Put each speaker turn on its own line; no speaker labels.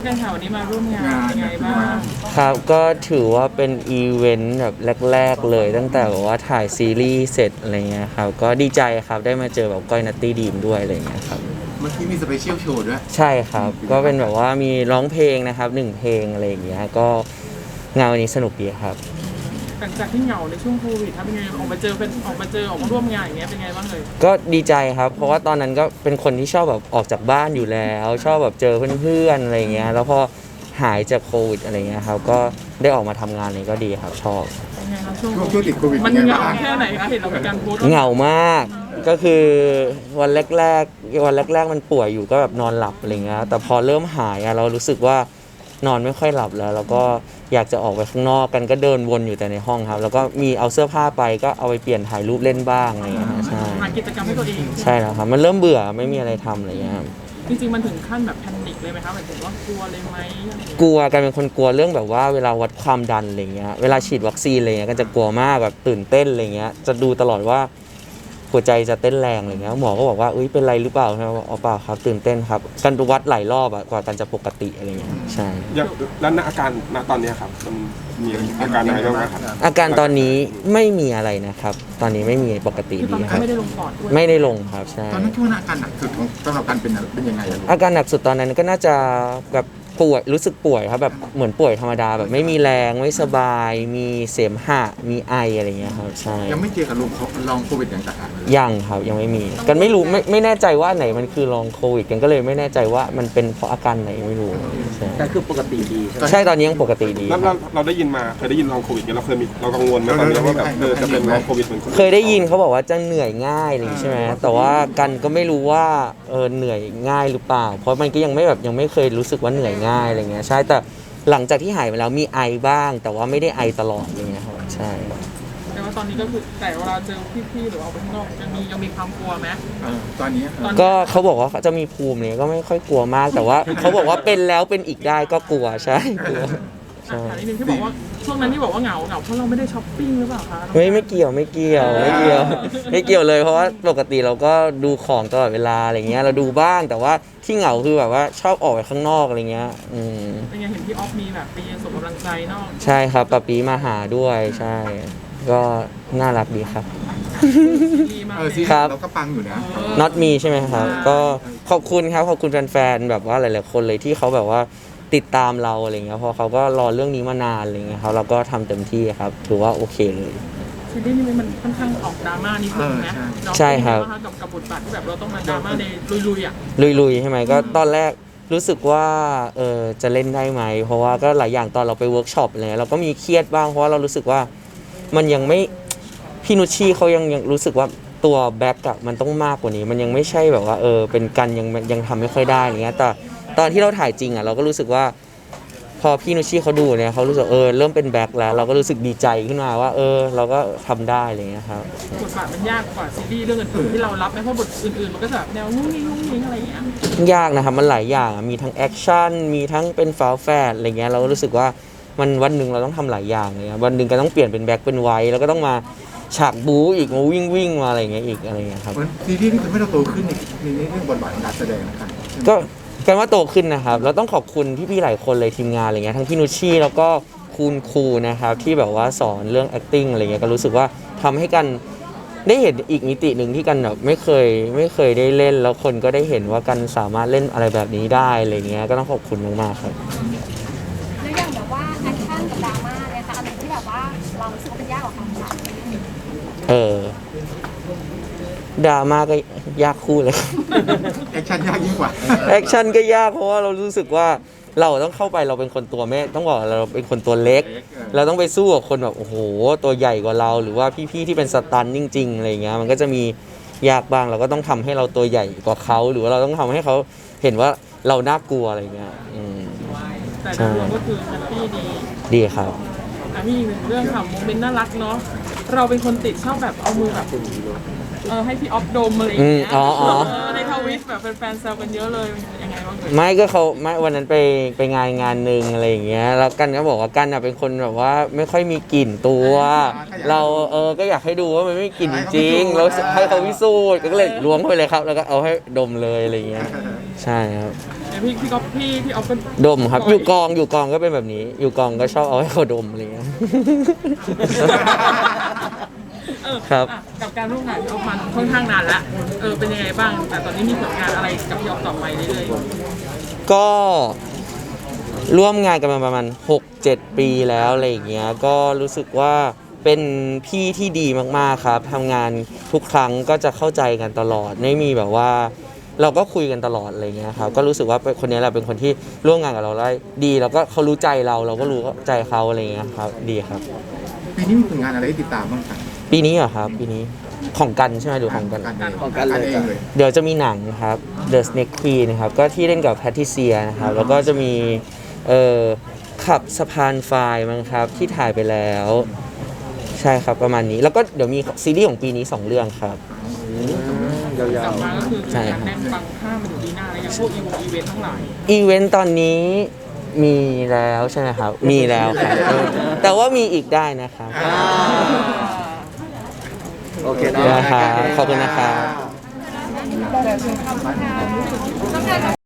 กันค่ะวันนี้มาร่วมงานยังไงบ้าง
ครับก็ถือว่าเป็นอีเวนต์แบบแรกๆเลยตั้งแต่แบบว่าถ่ายซีรีส์เสร็จอะไรเงี้ยครับก็ดีใจครับได้มาเจอแบบก้อยนัตตี้ดีมด้วยอะไรเงี้ยครับ
เมื่อกี้มีสเปเชียลโชว์ด้วย
ใช่ครับก็เป็นแบบว่ามีร้องเพลงนะครับ1เพลงอะไรอย่างเงี้ยก็งานวันนี้สนุกดีครับ
หลังจากที่เหงาในช่วงโควิดทำยังไงออกมาเจอเป็นออกมาร่วมงานอย่างเงี้ยเป็นไงบ้างเลย
ก็ดีใจครับเพราะว่าตอนนั้นก็เป็นคนที่ชอบแบบออกจากบ้านอยู่แล้วชอบแบบเจอเพื่อนๆอะไรเงี้ยแล้วพอหายจากโควิดอะไรเงี้ยครับก็ได้ออกมาทำงานนี้ก็ดีครับชอบ
เป็นไงครับช่วง
ช่วงติดโควิด
มันเหงาแค่ไหนคะเห็นเรามีการโพสต์
เหงามากก็คือวันแรกๆมันป่วยอยู่ก็แบบนอนหลับอะไรเงี้ยแต่พอเริ่มหายอะเรารู้สึกว่านอนไม่ค่อยหลับแล้วก็อยากจะออกไปข้างนอกกันก็เดินวนอยู่แต่ในห้องครับแล้วก็มีเอาเสื้อผ้าไปก็เอาไปเปลี่ยนถ่ายรูปเล่นบ้างอะไรเงี้ยใช่
หากิจกรรมให้ตัวเอง
ใช่แล้วครับมันเริ่มเบื่อไม่มีอะไรทำอะไรเงี้ย
จริงๆมันถึงขั้นแบบแพนิคเลยไหมคะหมายถึงว่ากลัวเลยไหม
กลัวกันเป็นคนกลัวเรื่องแบบว่าเวลาวัดความดันอะไรเงี้ยเวลาฉีดวัคซีนอะไรเงี้ยก็จะกลัวมากแบบตื่นเต้นอะไรเงี้ยจะดูตลอดว่าหัวใจจะเต้นแรงอะไรเงี้ยหมอก็บอกว่าอุ้ยเป็นไรหรือเปล่าครับอ๋อเปล่าครับตื่นเต้นครับกันวัดหลายรอบกว่ากันจะปกติอะไรเงี้ยใช่
แล้วอาการณตอนนี้ครับมันมีอาการอะไรบ้างครับ
อาการตอนนี้ไม่มีอะไรนะครับตอนนี้ไม่มีปกติดีครับ
ไม่ได้ลงปอดด้วย
ไม่ได้ลงครับใช่
ตอนนั้นคิดว่าอาการหนักสุดของสำหรับการเป็นยังไงอะลูก
อาการหนักสุดตอนนั้นก็น่าจะแบบป่วยรู้สึกป่วยครับแบบเหมือนป่วยธรรมดาแบบไม่มีแรงไม่สบายมีเสมหะมีไออะไรเงี้ยครับใช่
ยังไม่เจอกับลองโควิดอย่างต่าง
ยังครับยังไม่มีกันไม่รู้ไม่แน่ใจว่าไหนมันคือลองโควิดกันก็เลยไม่แน่ใจว่ามันเป็นเพราะอาการไหนไม่รู้ใช่
แต่คือปกติดี
ใช่ตอนนี้ยังปกติดี
แล้วเราได้ยินมาเคยได้ยินลองโควิดเราเคยมีเรากังวลไหมตอนนี้ว่าแบบจะเป็นลองโควิดเหมือน
เคยได้ยินเขาบอกว่าจะเหนื่อยง่ายอะไรใช่ไหมแต่ว่ากันก็ไม่รู้ว่าเหนื่อยง่ายหรือเปล่าเพราะมันก็ยังไม่เคยรู้สึกว่าเหนื่อยง่ายอะไรเงี้ยใช่แต่หลังจากที่หายไปแล้วมีไอบ้างแต่ว่าไม่ได้ไอตลอดอะไรเงี้ยครับใช่
แต่ว่าตอนนี้ก็คือแต่เวลาเจอพี่ๆหรือออกไปข้างนอกยังมีความกลัวไหม
ตอนนี้
ก็เขาบอกว่าเขาจะมีภูมิเนี่ยก็ไม่ค่อยกลัวมากแต่ว่าเขาบอกว่าเป็นแล้วเป็นอีกได้ก็กลัวใช่กลัว
ใช่นิดนึงที่บอกว่าช่วงนั้นที่บอกว่าเหงาเพราะเราไม่ได้ช้อปปิ้งหรือเปล่าคะ
ไม่เกี่ยวไม่เกี่ยวเลยเพราะว่าปกติเราก็ดูของตลอดเวลาอะไรเงี้ยเราดูบ้างแต่ว่าที่เหงาคือแบบว่าชอบออกไปข้างนอกอะไรเงี้ย
เป็นไงเห็นพี่ออฟมีแบบไปส่งกำลังใจนอก
ใช่ครับปะปีมาหาด้วยใช่ก็น่ารักดีครับ
ครับเราก็ปังอยู่นะ
not me ใช่ไหมครับก็ขอบคุณครับขอบคุณแฟนๆแบบว่าหลายๆคนเลยที่เขาแบบว่าติดตามเราอะไรเงี้ยเพราะเขาก็รอเรื่องนี้มานานอะไรเงี้ยครับเราก็ทำเต็มที่ครับถือว่าโอเคเลย
ซีรีส์นี้มันค่อนข้างออกดราม่านิดนึงนะ
ใช่ครับ
กับบทบาทที่แบบเราต้องมาดราม่าในลุยๆอ่ะ
ลุยใช่ไหมก็ตอนแรกรู้สึกว่าจะเล่นได้ไหมเพราะว่าก็หลายอย่างตอนเราไปเวิร์กช็อปอะไรเราก็มีเครียดบ้างเพราะว่าเรารู้สึกว่ามันยังไม่พี่นุชชี่เขายังรู้สึกว่าตัวแบ็กอะมันต้องมากกว่านี้มันยังไม่ใช่แบบว่าเป็นกันยังทำไม่ค่อยได้อะไรเงี้ยแต่ตอนที่เราถ่ายจริงอะเราก็รู้สึกว่าพอพี่นุชชี่เขาดูเนี่ยเขารู้สึกเริ่มเป็นแบ็กแล้วเราก็รู้สึกดีใจขึ้นมาว่าเราก็ทำได้อะไรเงี้ยครับ
บทบาทมันยากกว่าซีรีส์เรื่องอื่นๆที่เรารับไหมเพราะบทอื่นๆมันก็จะแบบแนวงุ้งงิ้งอะไรอย่างเงี้ย
ยากนะครับมันหลายอย่างมีทั้งแอคชั่นมีทั้งเป็นฝาแฝดอะไรเงี้ยเราก็รู้สึกว่ามันวันหนึ่งเราต้องทำหลายอย่างเลยวันหนึ่งก็ต้องเปลี่ยนเป็นแบ็คเป็นไวท์แล้วก็ต้องมาฉากบู๊อีกมาวิ่งมาอะไรเงี้ยอีกอะไรเงี้ยครับ
ซีรีส์นี่ทำให้เราโตขึ้นในเรื่องบทบาทการแสดงนะครับ
ก็กันว่าโตขึ้นนะครับเราต้องขอบคุณพี่ๆหลายคนเลยทีมงานอะไรเงี้ยทั้งพี่นุชชี่แล้วก็คุณครูนะครับที่แบบว่าสอนเรื่อง acting อะไรเงี้ยก็รู้สึกว่าทำให้กันได้เห็นอีกมิติหนึ่งที่กันแบบไม่เคยได้เล่นแล้วคนก็ได้เห็นว่ากันสามารถเล่นอะไรแบบนี้ได้อะไรเงี้ยก็ต้องขอบคุณมากๆครับ
แล้วอย่างแบบว่าแอคชั่นกับดราม่าเนี่ยค่ะอะไรที่แบบว่าเรารู้สึกว่าเป็นยากกว่ากันคะ
ดราม่าก็ยากคู่เลย
แอคชั่นยากยิ่งกว่า
แอคชั่นก็ยากเพราะว่าเรารู้สึกว่าเราต้องเข้าไปเราเป็นคนตัวแม่ต้องบอกเราเป็นคนตัวเล็กเราต้องไปสู้กับคนแบบโอ้โหตัวใหญ่กว่าเราหรือว่าพี่ๆที่เป็นสตันจริงๆอะไรเงี้ยมันก็จะมียากบ้างเราก็ต้องทำให้เราตัวใหญ่กว่าเขาหรือว่าเราต้องทำให้เขาเห็นว่าเราน่ากลัวอะไรเงี้ย
แต่รวมก็คือแฮปปี้
ดีครับ
มีอีกหนึ่งเรื่องค่ะโมเมนต์น่ารักเนาะเราเป็นคนติดชอบแบบเอามือแบบให้พี่ออฟดมอะไรอย่างเงี้ยในทวิตแบบแฟนๆแซวกันเยอะเลยยังไงบ้าง
ไม่ก็เขาไม่วันนั้นไปงานหนึ่งอะไรอย่างเงี้ยแล้วกันก็บอกว่ากันเป็นคนแบบว่าไม่ค่อยมีกลิ่นตัว เราก็อยากให้ดูว่ามันไม่มีกลิ่นจริงๆแล้วให้เขาพิสูจน์ก็เลยล้วงเข้าไปเลยครับ แล้วก็เอาให้ดมเลยอะไรอย่างเงี้ยใช่ครับ
เนี่ยพี่ก๊อฟพี่ออฟก็
ดมครับอยู่กองก็เป็นแบบนี้ อยู่กองก็ชอบเอาให้เขาดมอะไรอย่างเงี้ย ครับ
อ่ะกับการร่วมงานพี่ออฟมันค่อนข้างนานละเป็นยังไงบ้าง แต่ตอนนี้มีผลงานอะไรกับพี่ออฟต่อไปเรื่อย
ก็ร่วมงานกันมาประมาณ 6-7 ปีแล้วอะไรอย่างเงี้ยก็รู้สึกว่าเป็นพี่ที่ดีมากๆครับทำงานทุกครั้งก็จะเข้าใจกันตลอดไม่มีแบบว่า เราก็คุยกันตลอดอะไรเงี้ยครับก็รู้สึกว่าคนนี้แหละเป็นคนที่ร่วมงานกับเราได้ดีแล้วก็เขารู้ใจเราก็รู้ใจเขาอะไรเงี้ยครับดีครับ
ปีนี้มีผลงานอะไรให้ติดตามบ้างครับ
ปีนี้เหรอครับปีนี้ของกันใช่ไหมหรือของกัน
ของกันเลย
เดี๋ยวจะมีหนังครับ The Snake Queen นะครับก็ที่เล่นกับแพทริเซียนะครับแล้วก็จะมีขับสะพานไฟมั้งครับที่ถ่ายไปแล้ว ใช่ครับประมาณนี้ แล้วก็เดี๋ยวมีซีรีส์ของปีนี้ 2 เรื่องครับ
ๆกลับมาก็คือ
ใช่
การ
ครับ
แน่นปังข้ามมาถึงปีหน้าแล้วอย่างพวกอีเวนต์ทั้งหลาย
อีเวนต์ตอนนี้มีแล้วใช่ไหมครับ มีแล้วครับแต่ว่ามีอีกได้นะครับ
โอเค
ได้ครับขอบคุณนะครับ
ต้องการ